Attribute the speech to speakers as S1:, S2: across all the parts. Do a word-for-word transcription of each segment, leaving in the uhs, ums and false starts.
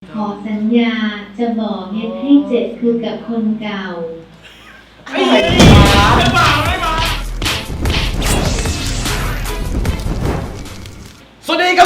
S1: ขอสัญญาจะบอกเฮ็ดให้เจ็บคือกับคนเก่า
S2: ไม่มาไม่มาไม่มา
S3: สวัสดีครับ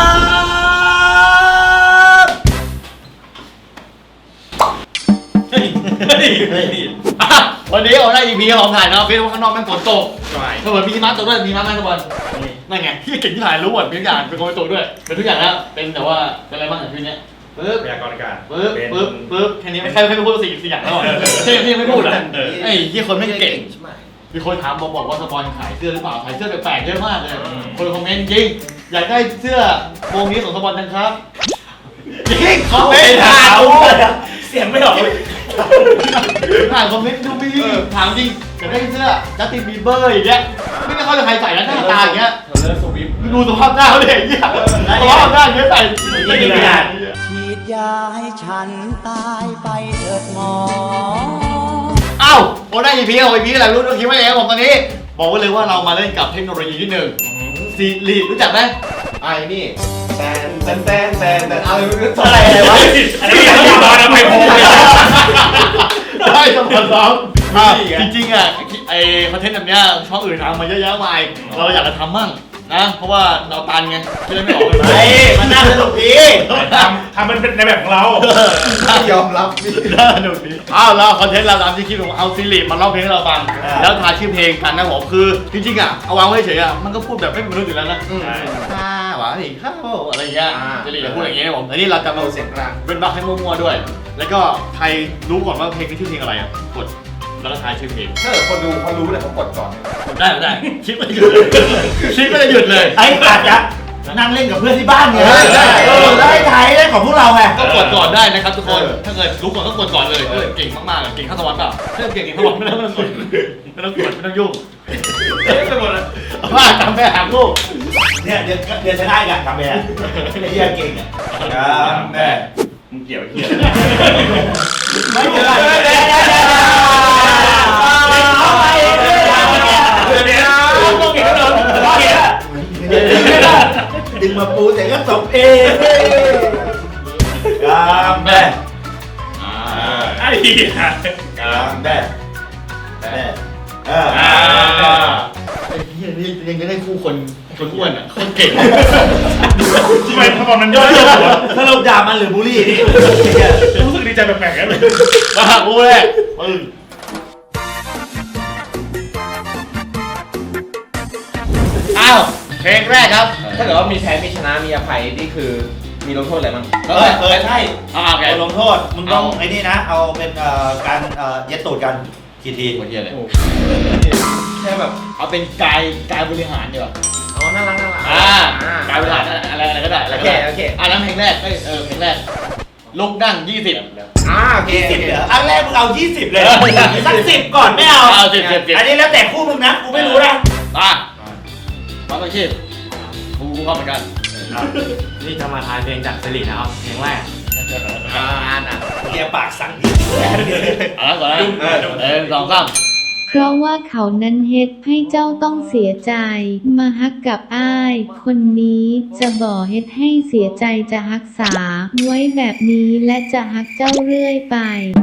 S3: เฮ้ยเฮ้ยเฮ้ยวันนี้เราได้ อี พี ของถ่ายนะเฟซข้างนอกแม่งฝนตกถ้าเกิดมีหิมะตกด้วยมีหิมะไหมทุกคนนั่นไงที่เก่งที่ถ่ายรู้หมดทุกอย่างเป็นคนไปตกด้วยเป็นทุกอย่างแล้วเป็นแต่ว่าเป็นอะไรบ้างในชีวิตนี้ปึ๊บ
S2: พยากรณ์อากาศ
S3: ปึ๊บปึ๊บปึ๊บแค่นี้ไม่ใช่ไม่พูดสี่สี่อย่างแล้วแค่นี้ไม่พูดอ่ะไอ้ที่คนไม่เก่งมีคนถามบอกบอกว่าสปอนขายเสื้อหรือเปล่าขายเสื้อแปลกๆเยอะมากเลยคนคอมเมนต์จริงอยากได้เสื้อวงนี้ของสปอนจังครับจริงคอมเมนต์ถาม
S2: เสียงไม่ออก
S3: ถามคอมเมนต์ดูมีถามจริงอยากได้เสื้อจัสตินบีเบอร์อย่างเงี้ยไม่ได้เขาจะใครใส่แล้วหน้าตาอย่างเงี้ยดูสภาพหน้าเขาเด็กเงี้ยสภาพหน้าเงี้ยใส่ไม่ได้ขนาด
S4: ฉีดยาให้ฉันตายไปเถิดหมอ
S3: อ้าวโอ้ได้ อี พี ของ อี พี อะไรรู้รู้คิดว่าไงผมตอนนี้บอกไว้เลยว่าเรามาเล่นกับเทคโนโลยีที่หนึ่งซีรีส์รู้จักไหม
S5: ไอ้นี่แตนแตนแตนแตนแตนอะไรไม่รู้
S3: อะไรอะไรวะ
S2: อันนี้ยังอยู่ตอนนั้นไม่พอ
S3: ได้สมองซ้อมจริงๆอ่ะไอคอนเทนต์แบบเนี้ยช่องอื่นทำมาเยอะแยะมากเราอยากจะทำมั่งนะเพราะว่าเราตันไงคิดไม่ออกเลย
S5: ไอ้มันน่าสนุกดี
S2: ทำทำมันเป็นในแบบของเรา
S5: ยอมรับ
S3: น่าสนุกดีอ้าวเราคอนเทนต์เราตามที่คิดผมเอาซีรีส์มาเล่าเพลงให้เราฟังแล้วทายชื่อเพลงกันนะผมคือจริงๆอ่ะเอาวางไว้เฉยอ่ะมันก็พูดแบบไม่เป็นมนุษย์อยู่แล้วนะข้าหวานอีกข้าวอะไรเงี้ยซีรีส์จะพูดอย่างเงี้ยผมอันนี้เราจะมา
S5: เสียงกลาง
S3: เป็นบัคให้มั่วๆด้วย แล้วก็ใครรู้ก่อนว่าเพลงนี้ชื่อเพลงอะไรอ่ะกดแล้วก็ทายชื่อเพลง
S5: ถ้าเกิดคนดูเขารู้เนี่ยเขากดก่อน
S3: กดได้ได้คิดไม่หยุดเลยคิดไม่ได้หยุดเลย
S4: ไอ้อาจจะนั่งเล่นกับเพื่อนที่บ้านไงได้ถ่ายได้ของพวกเราไง
S3: ก็กดก่อนได้นะครับทุกคนถ้าเกิดรู้ก่อนก็กดก่อนเลยเก่งมากๆเก่งข้าวสวรรค์เปล่าถ้าเก่งเก่งข้าวสวรรค์ไม่ต้องไม่ต้องกดไม่ต้องกดไม่ต้องยุ่งไม่หมดเลยว่าทำไปหาลูก
S4: เนี่ยเดี๋ยวเดี๋ยวจะได้กันทำไปอ่ะไอ้เหี้ยเก่งอ่ะ
S2: แม่มึงเกี่ยวเกี่ยว
S4: ไม่เกี่ยวดึงมาปูแต่ก็จบเองกามแม่
S2: ไอ้เหี้ย
S4: กามแม่แม่เออ
S3: ไอ้เหี้ยนี่ยังจะได้คู่คนคนอ้วนอ่ะคนเก่ง
S2: ทำไมทำไมมันย่อยๆ
S4: ถ้าเราด่ามันหรือบูลลี่นี่
S2: รู้สึกดีใจแปลกๆกันเลย
S3: มาบูลลี่ปึ้งอ้าวเพลงแรกครับ
S5: ถ้าเกิดว่ามีแพ้มีชนะมีอภัยนี่คือมีลงโทษอะไรบ้าง
S4: เออเออใช่
S3: อ่าโอเค
S4: ลงโทษมึงต้องไอ้นี่นะเอาเป็นเอ่อการเอ่อเย็ดตูดกันกี่ที
S3: คนเดียวเลย
S5: แค่แบบ
S3: เอาเป็นกายกายบริหารดีกว่า
S5: อ๋อน่ารักน่ารัก
S3: อ่ากายบริหารอะไรอะไรก็ได้
S5: โอเคโอเค
S3: อ่ะแล้วเพลงแรกเออเพลงแรกลุกนั่งยี่สิบ
S4: อ่าโอเคสิบเหรออันแรกมึงเอายี่สิบเลยสักสิบก่อนไม่เอา
S3: เอาสิบสิบ
S4: อันนี้แล้วแต่คู่มึงนะกูไม่รู้นะ
S3: มามาต้องชีพกูเข้าเหมือนกัน
S5: นี่จะมาทายเพลงจากสิรินะครับเพลงแรก
S3: อ่าอ่ะ
S4: เกียร์ปากสั่ง
S3: อ่ะก่อนนะเออสองสาม
S1: เพราะว่าเขานั้นเฮ็ดให้เจ้าต้องเสียใจมาฮักกับอ้ายคนนี้จะบ่เฮ็ดให้เสียใจจะฮักษาไว้แบบนี้และจะฮักเจ้าเรื่อยไป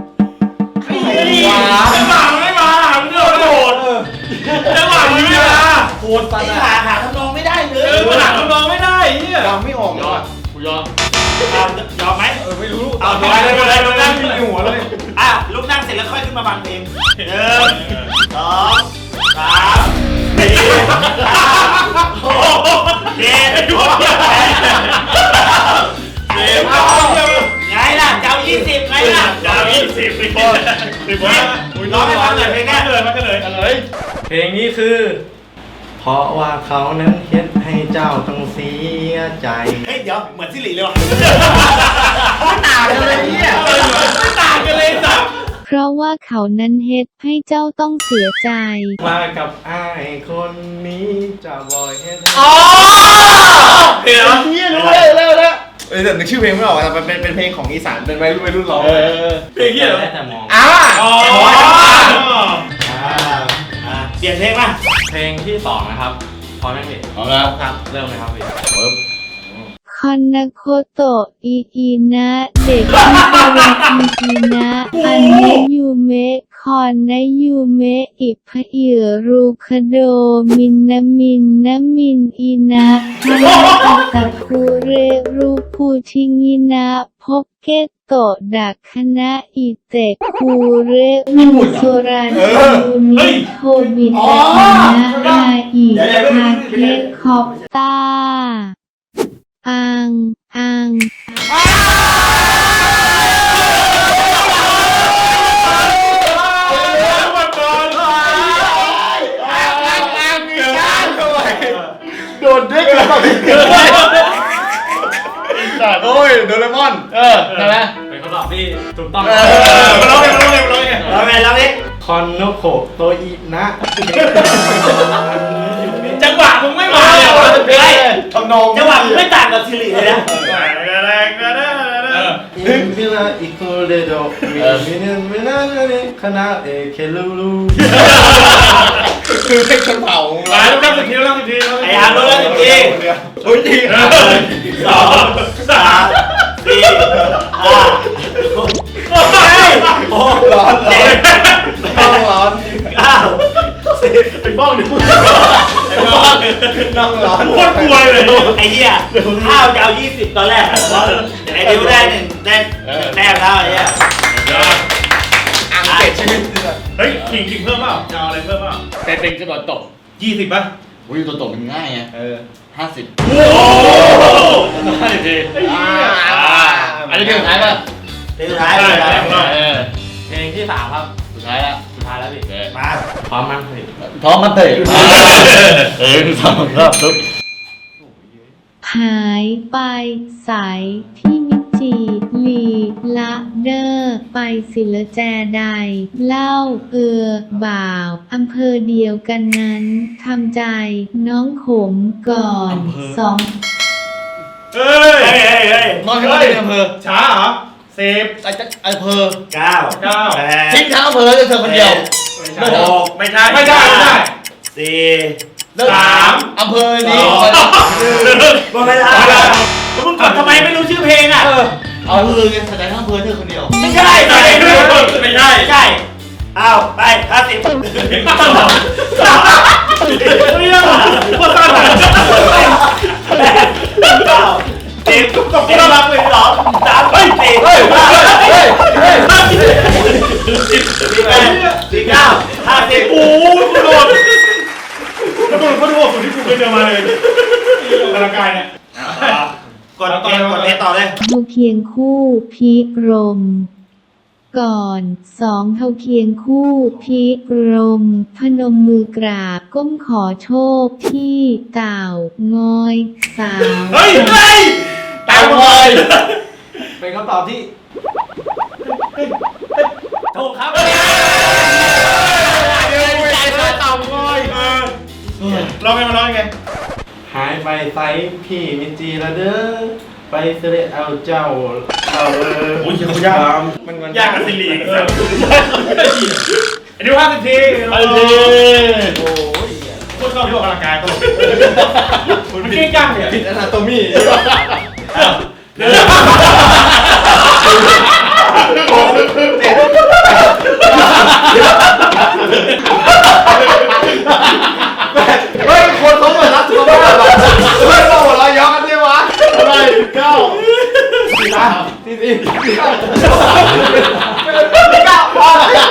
S2: ไม่มาไม่มามึงโดดจังหวะมึงไม่มา
S4: โคตรปัญหาหาทำนองไม่ได้เลย
S2: หาทำนองไม่ได้เนี่ย
S5: ยอมไม่ออก
S3: ยอมกูยอม
S4: ยอมไหม
S2: เออไม่รู้
S4: เอาไป
S2: เลยไปเลยไปนั่งที่หัวเลย
S4: อ่ะลุกนั่งเสร็จแล้วค่อยขึ้นมาฟังเพลงหนึ่งสองสามสี่หกเจ็ดแปดไงล่ะเจ้ายี่สิบไงล่ะ
S2: เจ้ายี่สิบสิบสิบว่า
S4: ร้องให้ฟังหน่อยเพลงนี้
S2: เลยมาเลยเลย
S5: เพลงนี้คือเพราะว่าเขานั้นเฮ็ดให้เจ้าต้องเสียใจ
S4: เฮ้ยเดี๋ยวเหมือนสิริเลยว่ะ
S5: ไม่ต่างกันเลยเนี่ย
S4: ไม่ต่างกันเลยสัก
S1: เพราะว่าเขานั้นเฮ็ดให้เจ้าต้องเสียใจ
S5: มากับอ้ายคนนี้จะบอยเฮ็ด
S3: อ๋อเดี๋ยวนี่รู้เลยแล้วแล้ว
S5: เออแต่นึกชื่อเพลงไม่ออกแต่มันเป็นเป็นเพลงของอีสานเป็นวัยรุ่นวัยรุ่นร้อง
S3: เพลงที่เหรอ
S5: แต่มอง
S3: อ่า
S4: อ๋อเปลี่ยนเพลงป่ะ
S5: เพลงที่สองนะครับพร้อมไหมพี่
S3: พร้อมแล้ว
S5: ครับเริ่มเลยครับพี่
S3: ปึ๊บ
S1: ขคอนนาโคโตะอีอีนะเด็กที่กำลังอีอีนะอันนะยูเมะคอนนะยูเมะอิพะเอือรูคาโดมินนะมินนะมินอีนะฮานาอัตะคุเรรูพูชิงินะพกเกตโตะดักคณะอิเตะคูเรอุสุราชิยูนิโทบิตะนะอาอิคาเคคอปตาอัง อัง
S3: โดนเด็กเลยจัดโอ้ยโดเรมอนเออใช่ไหม
S2: เป็นคำตอบที่ถูกต้อง
S3: เออมาลองเลยมาลองเลยมาลองเลย
S4: เราไงเราไง
S5: คอนโนโคโตอินะ
S2: จังหวะมึงไม่มาเลยว่ะ
S4: เฮ้ย
S3: ทำนอง
S4: จังหวะมึงไม่ต่างกับซิริเลยนะ
S5: อินฟิลาอิโคเรโดมิมินมินาเนคณะเอเคลูลู
S3: คือเป็นคนเผา
S2: หลายต้องสิบทีต้องสิบที
S4: ไอ้อาร์โดนแล้วจริง
S3: โอ้ยจริง
S4: สองสามสี่ห้าหกเจ็ด
S3: ร้อนร้อนต้องร้อน
S4: เก้าสิบ
S2: เป็นบ้องดิ
S3: นั่งร้อน
S2: โคตรกลัวเลย
S4: ไอ้เหี้ยข้าวจะเอายี่สิบตอนแรกไอ้ดิวได้หนึ่งได้แต้มแล้วไอ้เหี้ย
S3: อ่างเจ็ดชีวิต
S2: เฮ้ยขิงขิงเพิ่มเปล่าจะเอาอะไรเพิ่มเปล่า
S3: แต่เป็นกระโดดตก
S2: ยี่สิบป่ะ
S3: อุ้ยตัวตกมันง่ายไงเออห้าสิบ
S2: โอ้โหห้าสิบที
S3: อันนี้เพลงสุดท้ายป่ะ
S4: เพลงสุดท้ายเลยนะ
S3: เออ
S2: เพลงที่สามครับ
S3: สุดท้ายละ
S2: สุดท้ายแล้วพี่
S4: มา
S5: พร้อมมั้ยพี่
S3: พร้อมมันเตะเออสองรอบปุ๊บ
S1: หายไปใสายพี่มิจีลีละเดอร์ไปศิลแจใด เล่าเอือบ่าวอำเภอเดียวกันนั้นทำใจน้องขมก่อนสอง
S2: เฮ้ย
S4: เฮ้ยเฮ้ยเฮ้ย
S3: นอนที่บ้านอำเภอ
S2: ช้าเหรอสิบ
S3: ไอ้จะอำเภอ
S4: เก้า
S2: เก้า
S4: แปด
S3: ทิ้งทั้งอำเภอเลยเธอคนเดียว
S4: หก
S2: ไม่ใช่ไม่ได้ไม่ได้
S4: สี่
S2: สาม
S3: อำเภอนี้
S4: หมดเวลาแล้วมึงกดทำไมไม่รู้ชื่อเพลงอ่ะ
S3: เอาเธอไงแสดงทั้งอำเภอเธอคนเดียว
S4: ไม่ใช่
S2: ไม่
S4: ไม่
S2: ใช่
S4: ใช่
S2: ไม่ใช่
S4: ไม่ใช่อ้าวไปห้าสิบ
S2: เรื่องโคตรสั้นเลย
S4: แปดเก้าสิบ
S2: ตบน่ารักเลย
S4: สองสามสี่
S3: เฮ้ย
S4: ห้า
S3: เฮ้ยเฮ้ย
S4: สี่แปดสี่เก้าห้าสิบ
S2: โอ้โหกูโดนกูโดนเขาดูว่าสุดที่กูเคยเจอมาเลยออกกำลังกายเนี่ย
S4: กดเพลงกดเพลงต่อเลย
S1: เท่าเคียงคู่พีรม ก่อนสองเท่าเคียงคู่พีรม พนมมือกราบก้มขอโชคที่เต่างอยสาว
S2: เฮ้ยเฮ้ย
S3: ตามเลย
S5: เป็นคำตอบที่
S4: ถูกครับ
S3: เดี๋ยวใจเธอต่ำเลย
S2: เออร้องไงมาร้องไง
S5: หายไปไซพี่มิจีละเด้อไปเสด็จเอาเจ้าเอาเออ
S2: โอ้ยเขายาก
S5: มันมัน
S2: ยากกับสิริเอออันนี้ห้าสิบที
S3: ไปเลย
S5: โอ้ย
S2: โคตรชอบที่ออกกำลังกายตลกมันเก่งจังเนี่ย
S5: ผิดอนาโตมี
S3: เฮ้ยคนเขาเหมือนรักสุขภาพอ่ะเฮ้ยเราหัวเราะย้อนกันได้วะอะไรเก้าสี่สามสี่สี่สี่เก้าสี่เก้าพอแล้ว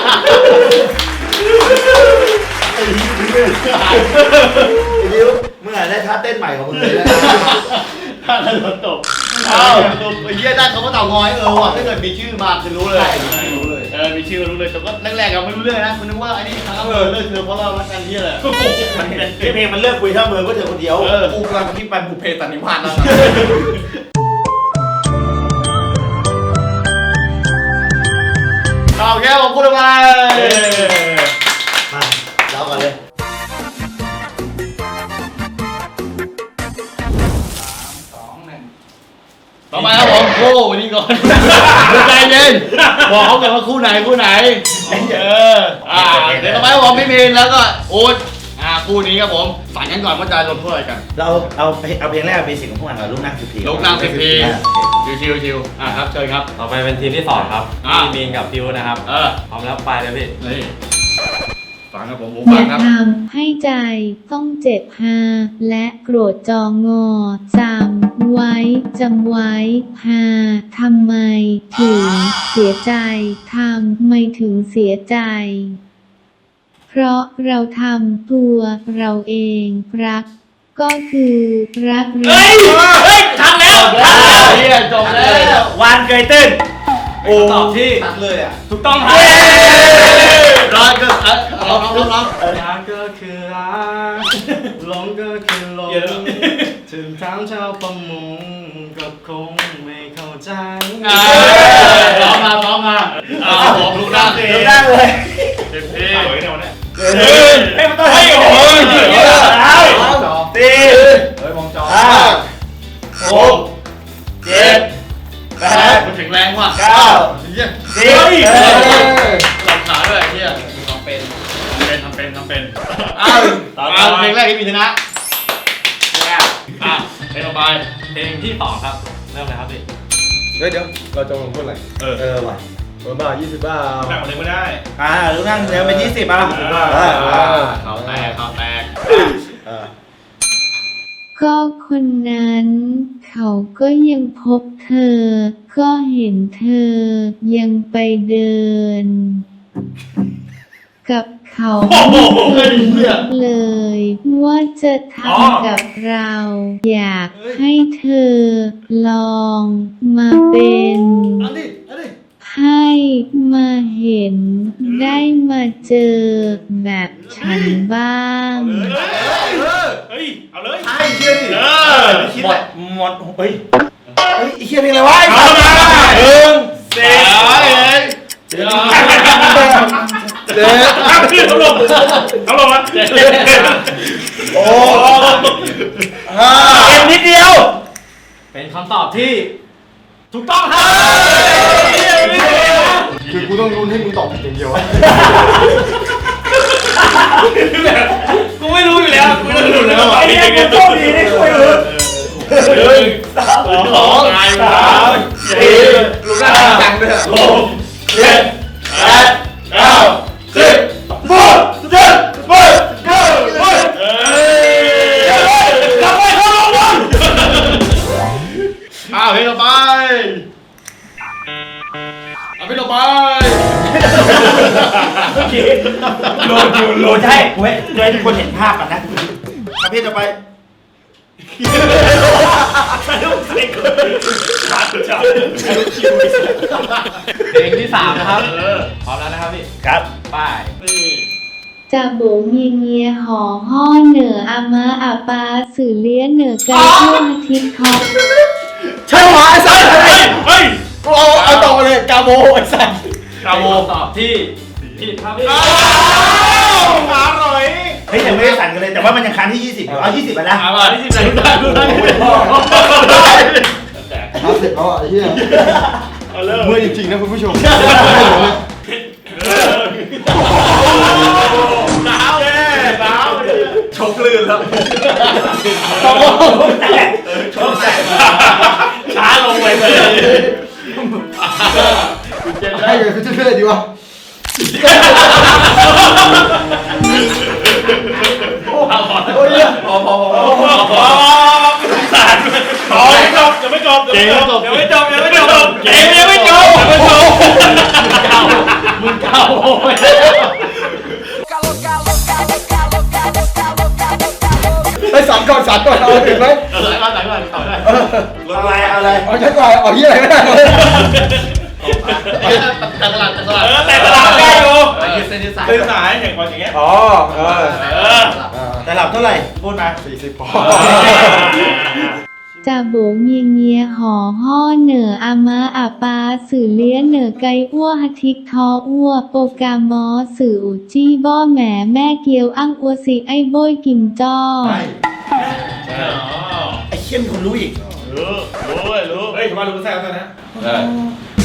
S4: ดิวเมื่อไหร่ได้ท่าเต้นใหม่ของมึงเลยนะ
S3: ถ้าเราโดนตกเอ้าไอ้เหี้ยได้เขาก็เต่างอยเออว่ะถ้าเกิดมีชื่อมาคือรู้เลยรู้เลยเออมีชื่อรู้เลยแต่ก็แรกๆเราไม่รู้เรื่องนะคุณนึกว่าไอ้นี่ทางอำเภอเลิกเธอเพราะเรารักกันที่อะไร
S4: มันเป็นเพลงมันเลิกคุยทั้งเมืองก็เธอคนเดียว
S3: เออ
S5: กูกำลังคิดไปบุพเพสันนิวาสแล้ว
S3: เอาแค่ผมพูดไป
S4: มาเราก่อนเลย
S3: ต่อไปครับผมคู่วันนี้ก่อนใจเย็นบอกเขากันว่าคู่ไหนคู่ไหนเอออ่าเดี๋ยวต่อไปครับผมพี่มีนแล้วก็โอ๊ตอ่าคู่คู่นี้ครับผมฝันกันก่อนว่าจะลงโทษอะไรกัน
S4: เราเอาเอาเพลงแรกเบสิกของพวกมันก่อนลูกนั่งสิบที
S3: ลูกนั่งสิบทีชิวชิวชิวอ่ะครับเชิญครับ
S5: ต่อไปเป็นทีมที่สองครับ
S3: อ่า
S5: พี่มีนกับพิวนะครับ
S3: เออ
S5: พร้อมแล้วไปเลยพี่
S3: นี่ฟังครับผมผม
S1: อ
S3: ฟั
S1: ย่าง
S3: ครับ
S1: ทำให้ใจต้องเจ็บฮาและโกรธจองอจำไว้จำไว้ฮาทำไมถึงเสียใจทำไมถึงเสียใจ เพราะเราทำตัวเราเองรัก ก็คือรัก
S4: เฮ้
S1: เรา
S4: ยเฮ้ยทำแล้วทำแล้ว
S3: เฮียจบแล้ว
S4: วานเกยตื้น
S5: โอ้ตอบที่ตัดเลยอ่ะ
S4: ถูกต้องครับ
S3: ร้อยก็เออร้องร้องร้อง
S5: รักก็คือรักหลงก็คือหลงถึงทางชาวประมงก็คงไม่เข้าใจ
S3: อ่าร้องมาร้องมาอ่าผมลูกนั่ง
S4: ถูกต้องเลย
S3: เต็มที่
S2: สวยเนี่ยวันนี้
S4: เฮ้ยมันต้องให้โอ้ยสี่
S5: เฮ้ยมองจอ
S4: ห้าหกเจ็ดแปด
S3: มันแข็งแรงว่ะ
S4: เก้า
S3: เฮีย
S4: สิบ
S3: หลับขาด้วยเฮียทำเป็นทำเป็นทำเป็นทำเป็นอ้าวอ้าวเพลงแรกที่มีชนะอ่ะเพลงต่อไป
S5: เพลงที่สองครับ เริ่มเลยครับพี่
S6: เฮ้ยเดี๋ยวเราจะลงโทษอะไร
S2: เออ
S4: เออว่ะ
S6: โดนบ้ายี่สิบบ้า
S2: หนักกว่านี้ไม่ได้
S4: อ่าลูกนั่งเดี๋ยวเป็นยี่สิบอ่ะ
S3: เขาแตกเขาแตก
S1: ก็คนนั้น เขาก็ยังพบเธอ ก็เห็นเธอยังไปเดิน กับเขาไม่เคยคิดเลย ว่าจะทำกับเรา อยากให้เธอลองมาเป็น
S3: อันนี้อันนี้
S1: ให้มาเห็นได้มาเจอแบบฉันบ้าง
S2: เฮ้ย เอาเลย
S4: ใช่เชื่อดิ
S2: เออ
S4: หมดหมดเฮ้ยเฮ้ยไอ้เชี่ยเพลงอะไรวะ
S2: เอามา
S4: หนึ่ง
S2: เด็ก
S3: เดี๋ยว
S6: เด็ก
S2: เอาขึ้นเขาลงเขาลงแล้ว
S4: โอ้ห้าเกมนิดเดียว
S5: เป็นคำตอบที่
S4: ถูกต้องครับ
S6: คือกูต้องรุนให้มึงตอบผิดอย่างเดียวอะ
S4: กูไม่รู้อยู่แล้วกูไม่รู้อยู่แล้วไอ้เนี่ยกูโชคดีที่กูไม่รู้
S2: หนึ่งสองสามสี่
S6: ลูกหน้าจังด้วยอะ
S2: หกเจ็ดแปดเก้าสิบ
S4: หมดเจ็ดแปดเก้าสิบ
S2: เอ้ย
S4: กลับไปเข้าโรงพยาบาล
S3: อ้าวเพลงต่อไปเอาเพลงต่อไป
S4: โหลดอยู่โหลดใช่เว้ยเดี๋ยวให้ทุกคนเห็นภาพกันนะประเภทต่อไปใส่ลูกใส่กู
S2: ชัดชัด
S5: เพลงที่สามนะครับ พร้อมแล้วนะครับพี่
S4: ครับ
S5: ไป
S1: จะโบเงียเงียหอห่อเหนืออามาอาปาสื่อเลี้ยเหนือไกลทั่วอาทิตย์ทอง
S6: ใช่หรอไอ้สัส
S2: เฮ้ยเฮ้ย
S6: กูเอาเอาต่อมาเลยกาโบไอ้สัส
S2: กาโม
S5: คำตอบที่ผิดครับพี่
S2: อร่อย
S4: เฮ้ยยังไม่ได้สั่นกันเลยแต่ว่ามันยังค้างที่ยี่สิบอยู่เอายี่สิบไปนะ
S3: เอามาที่สิบไหนได้ดูได้
S6: เอาเสร็จแล้วอ่ะไอ้เหี้ย
S2: เอาเริ่ม
S6: เมื่อยจริงๆนะคุณผู้ชม
S2: หนาวเลยหนาวชกลื่นแล้ว
S4: ชอบใจ
S2: ช้าลงไปเลย
S6: ให้เลยคือช่วยๆดีวะ โอ้ยเนี่ย
S2: พอพอพอพอพอสารพอยังไม่จบยังไม่จบยังไม่จบยังไม่จบเกมยังไม่จบยังไม่จบ
S3: มึงเก่าโอ้ย
S6: ไปสามก่อนสามก่อนเอาถึงไหม
S3: เออมาแต่ก่อนต่อได้
S4: รถอะไรอะไร
S6: เอาใช้ก่อนเอาเหี้ยอะไรก็ได้
S3: แต่ตลาดแต่ตลาด
S2: เออแต่ตลาดได้อยู่
S3: ยืดเส้นยืดสาย
S2: ตื่นสายอย่างก่อนอย่างเงี้ย
S6: อ๋อเออ
S2: เออ
S4: แต่หลับเท่าไหร่พูดมา
S6: สี่สิบพอ
S1: จะโบเงียเงียหอห่อเหนืออามาอาปาสื่อเลี้ยเหนือไกลอ้วอาทิตย์ทออ้วโปกามอสื่ออุจี้บ่อแหมแม่เกียวอั้งอัวสิไอ้โบยกิมจ้อ
S4: ไอ้เชี่ยมีคนรู้อีก
S2: รู้รู้เลยรู้เฮ้ยทำไมรู้แซ่บกันนะ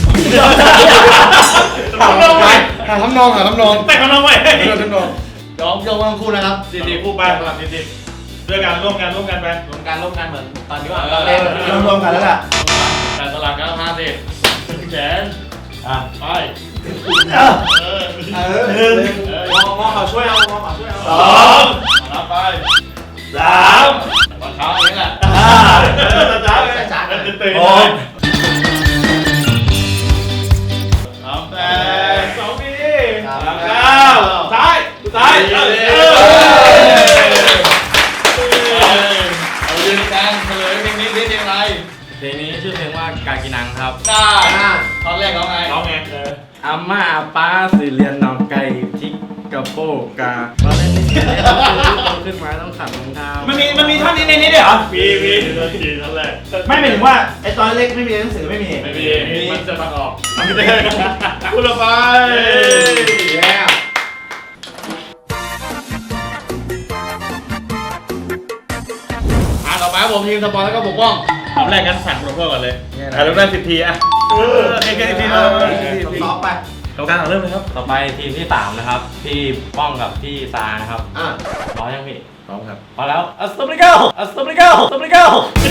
S6: หาหาทำนองหาทำนอง
S2: แต่งกันน้องไว้
S6: ทำนอง
S3: ยอมองโยกทั้งคู่นะครับ
S2: สี่สิบคู่ไปสลับสี่สิบด้วยกันร่วมกันร่วมกันไป
S3: รวมกันร่วมกันเหมือนตอนที่ว่า
S2: เรา
S3: เรา
S2: เล่
S3: เล่
S2: น
S3: น
S4: รวมกันแล้วล่ะ
S2: แต่สลับกันห้าสิบแขน
S4: อ่ะ
S2: ไป
S4: เออ
S2: เออ
S6: เออ
S4: หนึ่ง
S2: มองมองเขาช่วยเอามองเขาช่วยเอา
S4: สอง
S2: นับไป
S4: สาม
S2: ตอนเช้าอย่างนี้แหละ
S4: ห้า
S2: เช้าเลยช้าตื่นตื่น
S4: หก
S2: สามแปดสองปีสามเก้าซ้ายซ้ายเออเอายืนกลางเฉลยเพลงนี้เพลงอะไร
S5: เพลงนี้ชื่อเพลงว่ากากินังครับ
S2: น่าตอนแรกร้องไงร้องไง
S5: อาม่าอาป้าสิเรียนน้องไก่ทิกกระโปกาตอนเล่นนี่เล่นต้องขึ้นมาต้องขัดรองเท้า
S4: มันมีมันมีท่อนนี้ในนี้ด้วยเหรอ
S2: มีมีตอนทีตอนแรก
S4: ไม่หมายถึงว่าไอ้ตอนเล็กไม่มีหนังสือไม่มี
S2: ไม่มีมันจะตัดออกไม่ได้คุณละไป
S6: แย่
S3: อ่านออกมาครับผมทีมสปอนแล้วก็ปกป้อง
S2: ทำแรกกันสั่งลงโทษก่อนเลยอ่ะเริ่มได้สิบทีอ่ะเออแค่แค่สิบทีนะ
S4: ซ้อมไป
S2: กรรมการเอาเริ่มเลยครับ
S5: ต่อไปทีมที่สามนะครับ พี่ป้องกับพี่ซานะครับ
S6: อ่ะ
S5: พร้อมยังพี่
S6: พร้อมครับ
S5: พอแล้วอัสตัมบริเกิลอัสตัมบริเกิลอัสตัมบริเกิล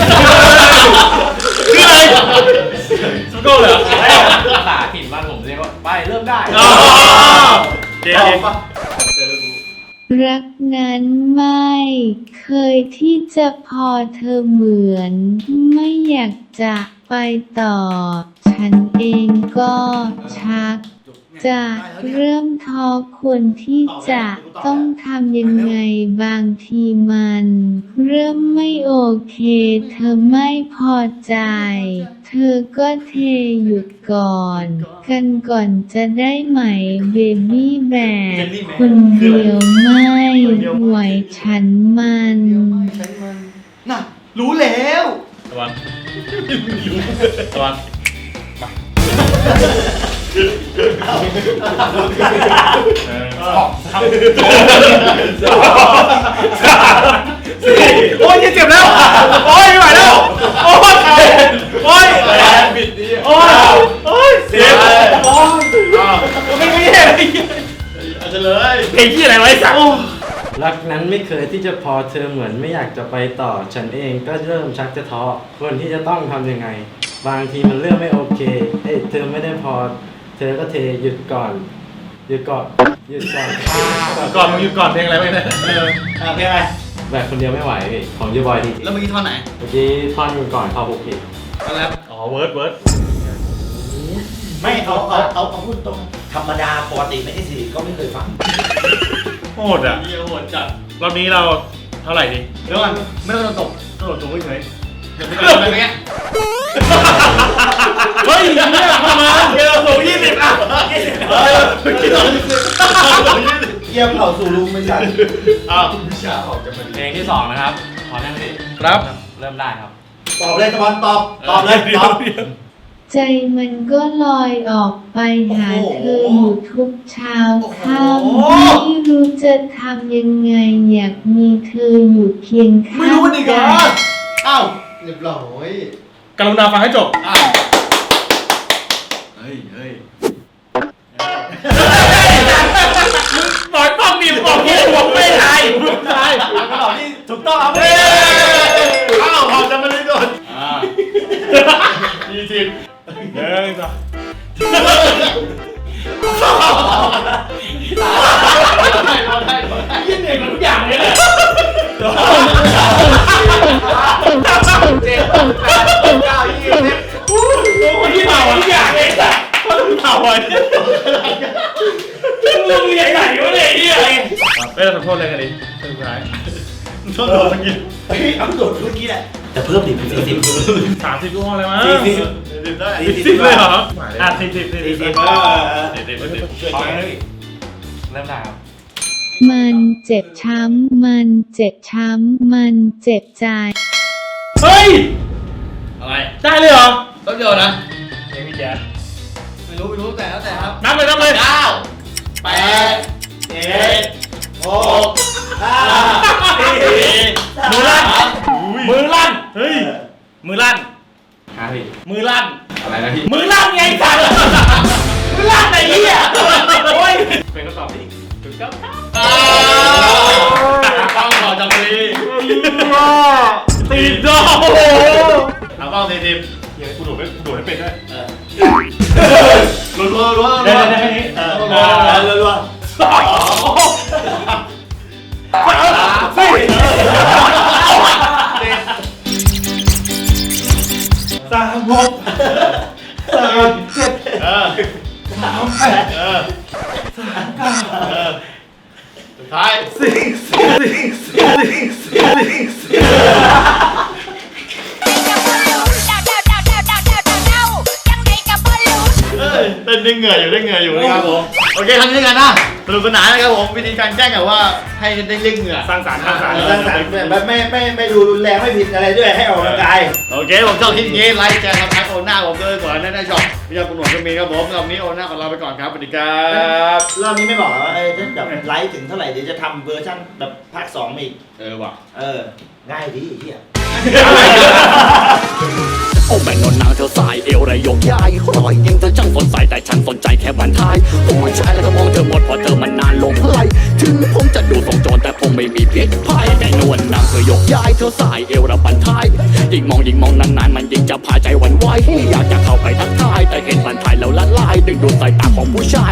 S2: ชื่ออะไรสโก้เหรอ
S5: ภาษาถิ่นบ้านผมเรียกว่าไปเริ่มได้
S2: อ๋อเจ๊
S4: ต่อ
S2: เจ๊
S4: ปะ
S1: รักนั้นไม่เคยที่จะพอเธอเหมือน ไม่อยากจะไปต่อ ฉันเองก็ชัก จะเริ่มท้อควรที่จะต้องทำยังไงบางทีมัน เริ่มไม่โอเค เธอไม่พอใจ เธอก็เทหยุดก่อน กันก่อนจะได้ไหมเบบี้แบกคนเดียวไม่ไหวฉันมัน
S3: น่ะ รู้แล้ว
S2: ตะวันตะวันโอ้ยเจ็บแล้ว โอ้ยไม่ไหวแล้ว โอ้ยโอ้ยบิดดีโอ้ยโอ้ยเสียโอ้ยไม่ไม่เห็นอาจจะเลยเพลงที่อะไรไว้สัก
S5: รักนั้นไม่เคยที่จะพอเธอเหมือนไม่อยากจะไปต่อ ฉันเองก็เริ่มชักจะท้อควรที่จะต้องทำยังไง บางทีมันเริ่มไม่โอเคเอ้ยเธอไม่ได้พอ เธอก็เทหยุดก่อนหยุดก่อนหยุดก่อน
S2: ก่อนมึงหยุดก่อนเพลงอะไรไปเนี่ยเออ
S4: อ่ะเพลงอะไร
S5: แบบคนเดียวไม่ไหวพี่ของยูบอยที
S3: แล้วเมื่อกี้ท่อนไหน
S5: เมื่อกี้ท่อนก่อนเข้าบุกผิด
S3: ท่อนแรป
S2: อ๋อเวิร์ดเวิร์ด
S4: ไม่เอาเอาเอาเอาพูดตรงธรรมดาปกติไม่ใช่สิก็ไม่เคยฟัง
S2: โหดอ่ะเยี่ยโหดจัดรอบนี้เราเท่าไหร่ดี
S3: เดี๋ยวก่อนไม่ต้องตก
S2: กระโดดสูงเฉย
S3: เดี๋ยวไปไปไปเงี้ย
S2: เฮ้ยเนี่ยเข้ามาเกระโดดสูงยี่สิบอ่ะยี่สิบเฮ้ยกระโดดยี่สิบ
S4: เยี่ยมเผาสู่ลุงไม่ใช่
S2: อ้าว
S5: เพลงที่สองนะครับพร้อมยังพี่
S2: ครับ
S5: เริ่มได้ครับ
S4: ตอบเลยตะวันตอบตอบเลยตอบ
S1: ใจมันก็ลอยออกไปหาเธออยู่ทุกเช้าค่ำไม่รู้จะทำยังไงอยากมีเธออยู่เคียงข้าง
S3: ไม่รู้มันอีกเหรอ
S1: กัน
S3: อ้าว
S6: เรียบร้อย
S2: กรุณาฟังให้จบ
S3: อ้าวเฮ้ยเฮ้ย
S2: หน่อยป้องดิบอกพี่บอกไม่ทายไม่ทาย
S4: คำตอบที่ถูกต้องครับ
S2: เฮ้ยอ้าวพอจะมาเลยก่อนอ่ายี่สิบเฮ้ยจ้ะยี่เหนื่อยกับทุกอย่างเลยเนี่ยเจ็ดแปดเก้ายี่สิบโอ้โหที่เผาทุกอย่างเลยจ้ะเพราะต้องเผาอ่ะมึงเรียนไหนวะเนี่ยไอ้เหี้ยไม่ต้องขอโทษเลยกันดิสุดท้ายต้องโดนมันกิน
S4: เฮ้ยเอาโดดเมื่อกี้แหละแต่เพิ่มดิเป็นสี่สิบ
S2: สามสิบลูกห้องเลยมั้ง
S4: สี่สิบ
S2: สี่สิบได้สี่สิบเลยเหรออ่ะสี่สิบสี่สิบ
S4: สี่สิบ
S2: เอ
S4: เอ
S2: อ
S4: อ
S2: สี่สิบสี่สิบ
S4: ช่วยแกหน่อย
S5: เริ่มได้ครับ
S1: มันเจ็บช้ำ มันเจ็บช้ำ มันเจ็บใจ
S2: เฮ้ย
S3: อะไร
S2: ได้เลยเหรอ
S3: ต้นเดียวนะ
S2: เพลงพี่แจ๊ด
S3: ไม่รู้ไม่รู้แต่แล้วแต่ครับ
S2: นับเลยนับเลย
S3: เก้าแปด
S4: เจ็ดหกห้าสี่
S2: มือลั่นมือลั่นเฮ้ยมือลั่น
S5: ฮะพี่
S2: มือลั่น
S3: อะไรนะพี่
S2: มือลั่นไงสัตว์มือลั่นไอ้เหี้ยโอ้ย
S5: เป็นคำตอบที่ถูกต้องครับ
S2: อ่าเออสามแปดเออสามเก้าเออสุดท้ายสี่สี่สี่สี่สี่สี่เอ้ยเต้นได้เหงื่ออยู่ได้เหงื่ออยู่นะครับผมโอเคทำนี้กันนะสนุกสนานนะครับผมวิธีการแกล้งแบบว่าให้ได้เรียกเหงื่อ
S4: สร้างสรรค์สร้างสรรค์
S6: สร้างสรรค์แบบไม่ไม่ไม่ดูรุนแรงไม่ผิดอะไรด้วยให้ออกกำลังกาย
S2: โอเคผมชอบคลิปนี้ไลค์แชร์ครับทักโอน่าผมเลยก่อนได้ได้ชอบพี่ยาคุณหนวดก็มีครับผมรอบนี้โอน่าของเราไปก่อนครับสวัสดีครับ
S6: รอบนี้ไม่บอกว่าเออถ้าแบบไลฟ์ถึงเท่าไหร่เดี๋ยวจะทำเวอร์ชันแบบภาคสองมาอีก
S2: เออว่ะ
S6: เออ ง่ายดีไอ้เฮีย
S7: โอ้แม่นนางเธอสายเอวระยกย้ายรอยยิงเธอช่างสนใจแต่ฉันสนใจแค่บันทายผู้ชายแล้วก็มองเธอหมดเพราะเธอมันนานลงไหลถึงผมจะดูทรงโจรแต่ผมไม่มีพิษภัยแต่นวลนางเธอยกย้ายเธอสายเอวระบันทายยิ่งมองยิ่งมองนานๆมันยิ่งจะพาใจหวั่นไหวอยากจะเข้าไปทักทายแต่เห็นบันทายแล้วละลายดึงดูดสายตาของผู้ชาย